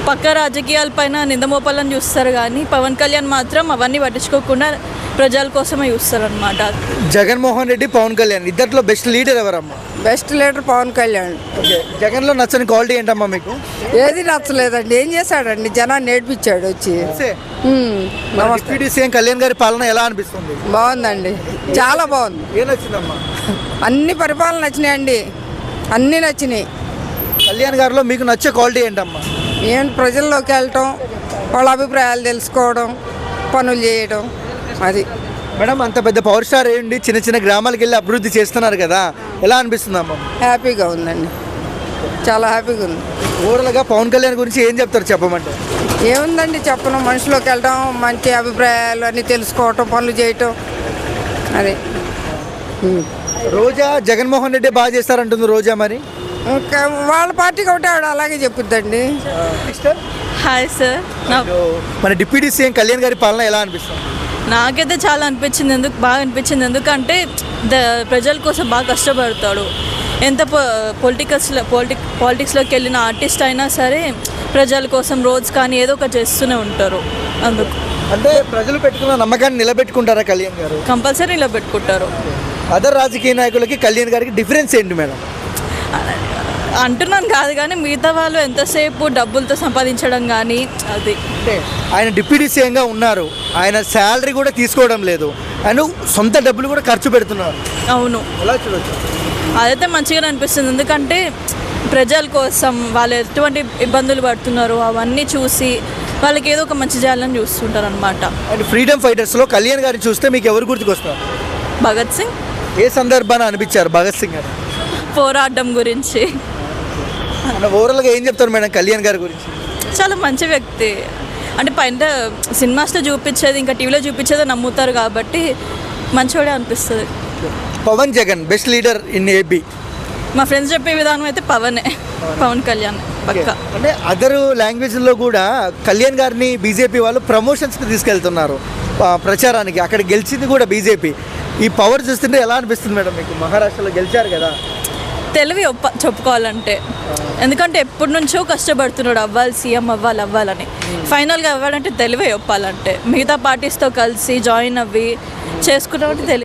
పక్క రాజకీయాలపైన నిందమోపాలని చూస్తారు కానీ పవన్ కళ్యాణ్ మాత్రం అవన్నీ పట్టించుకోకుండా ప్రజల కోసమే చూస్తారనమాట. జగన్మోహన్ రెడ్డి, పవన్ కళ్యాణ్ ఇద్దరిలో బెస్ట్ లీడర్ ఎవరమ్మా? Best leader Pawan Kalyan. Okay, జగన్లో నచ్చని క్వాలిటీ ఏంటమ్మా మీకు? ఏది నచ్చలేదండి. ఏం చేశాడండి? జనాన్ని నేర్పించాడు వచ్చి. నమస్తే. డిప్యూటీ సీఎం కళ్యాణ్ గారి పాలన ఎలా అనిపిస్తుంది? బాగుందండి, చాలా బాగుంది. ఏం నచ్చిందమ్మా? అన్ని పరిపాలన నచ్చినాయండి, అన్నీ నచ్చినాయి. కళ్యాణ్ గారిలో మీకు నచ్చే క్వాలిటీ ఏంటమ్మా? ఏం ప్రజల్లోకి వెళ్ళటం, వాళ్ళ అభిప్రాయాలు తెలుసుకోవడం, పనులు చేయడం, అది. మేడం, అంత పెద్ద పవర్ స్టార్ ఏంటి చిన్న చిన్న గ్రామాలకు వెళ్ళి అభివృద్ధి చేస్తున్నారు కదా, ఎలా అనిపిస్తుందమ్మా? హ్యాపీగా ఉందండి, చాలా హ్యాపీగా ఉంది. ఓవరాల్గా పవన్ కళ్యాణ్ గురించి ఏం చెప్తారు చెప్పమంటే? ఏముందండి చెప్పను, మనుషులోకి వెళ్ళటం, మంచి అభిప్రాయాలు అన్నీ తెలుసుకోవటం, పనులు చేయటం, అది. రోజా జగన్మోహన్ రెడ్డి బాగా చేస్తారంటుంది రోజా, మరి ఇంకా వాళ్ళ పార్టీకి ఒకటే ఆవిడ అలాగే చెప్పుద్దండి. Hi sir. మన డిప్యూటీ సీఎం కళ్యాణ్ గారి పాలన ఎలా అనిపిస్తుంది? నాకైతే చాలా బాగా అనిపించింది. ఎందుకంటే ప్రజల కోసం బాగా కష్టపడతాడు. ఎంత పాలిటిక్స్లోకి వెళ్ళిన ఆర్టిస్ట్ అయినా సరే ప్రజల కోసం రోజు కానీ ఏదో ఒకటి చేస్తూనే ఉంటారు. అందుకు అంటే ప్రజలు పెట్టుకున్న నమ్మకాన్ని నిలబెట్టుకుంటారా కళ్యాణ్ గారు? కంపల్సరీ నిలబెట్టుకుంటారు. అదర్ రాజకీయ నాయకులకి కళ్యాణ్ గారికి డిఫరెన్స్ ఏంటి మేడం? అంటున్నాను కాదు కానీ మిగతా వాళ్ళు ఎంతసేపు డబ్బులతో సంపాదించడం కానీ అది. అంటే ఆయన డిప్యూటీ సీఎంగా ఉన్నారు, ఆయన శాలరీ కూడా తీసుకోవడం లేదు, ఆయన సొంత డబ్బులు కూడా ఖర్చు పెడుతున్నారు. అవును, ఎలా చూడొచ్చు? అదైతే మంచిగా అనిపిస్తుంది. ఎందుకంటే ప్రజల కోసం వాళ్ళు ఎటువంటి ఇబ్బందులు పడుతున్నారో అవన్నీ చూసి వాళ్ళకి ఏదో ఒక మంచి చేయాలని చూస్తుంటారు అనమాట. అండ్ ఫ్రీడమ్ ఫైటర్స్లో కళ్యాణ్ గారిని చూస్తే మీకు ఎవరు గుర్తుకొస్తారు? భగత్ సింగ్. ఏ సందర్భాన్ని అనిపించారు భగత్ సింగ్ గారు? పోరాటం గురించి. ఓవరాల్గా ఏం చెప్తారు మేడం కళ్యాణ్ గారి గురించి? చాలా మంచి వ్యక్తి. అంటే పైన సినిమాస్లో చూపించేది ఇంకా టీవీలో చూపించేది నమ్ముతారు కాబట్టి మంచివాడే అనిపిస్తుంది. Pawan Jagan best leader in AP. మా ఫ్రెండ్స్ చెప్పే విధానం అయితే పవన్ కళ్యాణ్ పక్క. అంటే అదర్ లాంగ్వేజ్లో కూడా కళ్యాణ్ గారిని బీజేపీ వాళ్ళు ప్రమోషన్స్కి తీసుకెళ్తున్నారు ప్రచారానికి. అక్కడ గెలిచింది కూడా బీజేపీ. ఈ పవర్ చూస్తుంటే ఎలా అనిపిస్తుంది మేడం మీకు? మహారాష్ట్రలో గెలిచారు కదా. తెలివి చెప్పుకోవాలంటే, ఎందుకంటే ఎప్పటి నుంచో కష్టపడుతున్నాడు సీఎం అవ్వాలని. ఫైనల్గా అవ్వాలంటే తెలివే చెప్పాలంటే మిగతా పార్టీస్తో కలిసి జాయిన్ అవ్వి చేసుకున్నట్టు తెలివి.